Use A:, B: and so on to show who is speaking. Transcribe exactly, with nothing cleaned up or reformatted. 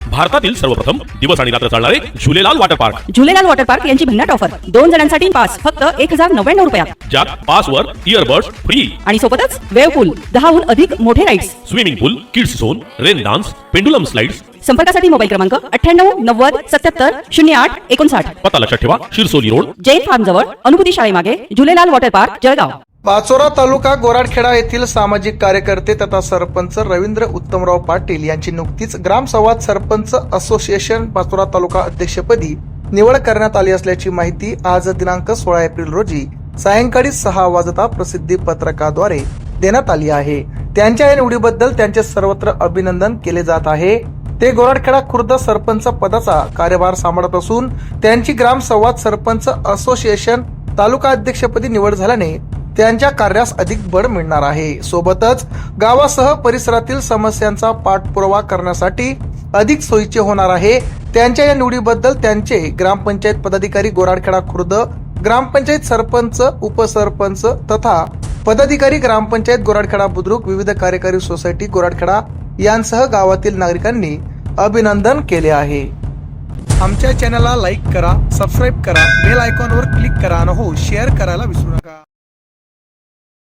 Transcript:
A: भारतातील सर्वप्रथम दिवस आणि रात्र चालणारे Jhulelal water park
B: Jhulelal water park यांची भन्नाट ऑफर दोन जणांसाठी पास फक्त एक हजार नव्याण्णव रुपयात
A: ज्यात पासवर इयरबड्स फ्री
B: आणि सोबतच वेव पूल दहाहून अधिक मोठे rides
A: swimming pool kids zone rain dance pendulum slides.
B: संपर्कासाठी मोबाईल क्रमांक अठ्ठ्याण्णव नव्वद सत्याहत्तर शून्य आठ एकोणसाठ।
A: पता लक्षात ठेवा, शिरसोली रोड,
B: जैन फार्म जवळ, अनुभूती शाळेमागे, झुलेलाल वॉटर पार्क, जळगाव।
C: पाचोरा तालुका गोराडखेडा येथील सामाजिक कार्यकर्ते तथा सरपंच रवींद्र उत्तमराव पाटील यांची नुकतीच ग्रामसंवाद सरपंच असोसिएशन पाचोरा तालुका अध्यक्षपदी निवड करण्यात आली असल्याची माहिती आज दिनांक सोळा एप्रिल रोजी सायंकाळी सहा वाजता प्रसिद्धी पत्रकाद्वारे देण्यात आली आहे। त्यांच्या या निवडीबद्दल त्यांचे सर्वत्र अभिनंदन केले जात आहे। ते गोराडखेडा खुर्द सरपंच पदाचा कार्यभार सांभाळत असून त्यांची ग्रामसंवाद सरपंच असोसिएशन तालुका अध्यक्षपदी निवड झाल्याने त्यांच्या कार्यास अधिक बळ मिळणार आहे। सोबतच गावासह परिसरातील समस्यांचा पाठपुरावा करण्यासाठी अधिक सोयीचे होणार आहे। त्यांच्या या निवडीबद्दल त्यांचे ग्रामपंचायत पदाधिकारी गोराडखेडा खुर्द, ग्रामपंचायत सरपंच, उपसरपंच तथा पदाधिकारी ग्रामपंचायत गोराडखेडा बुद्रुक, विविध कार्यकारी सोसायटी गोराडखेडा यांसह गावातील नागरिकांनी अभिनंदन केले आहे। आमच्या चॅनलला लाईक करा, सबस्क्राईब करा, बेल आयकॉनवर क्लिक करा आणि हो शेअर करायला विसरू नका।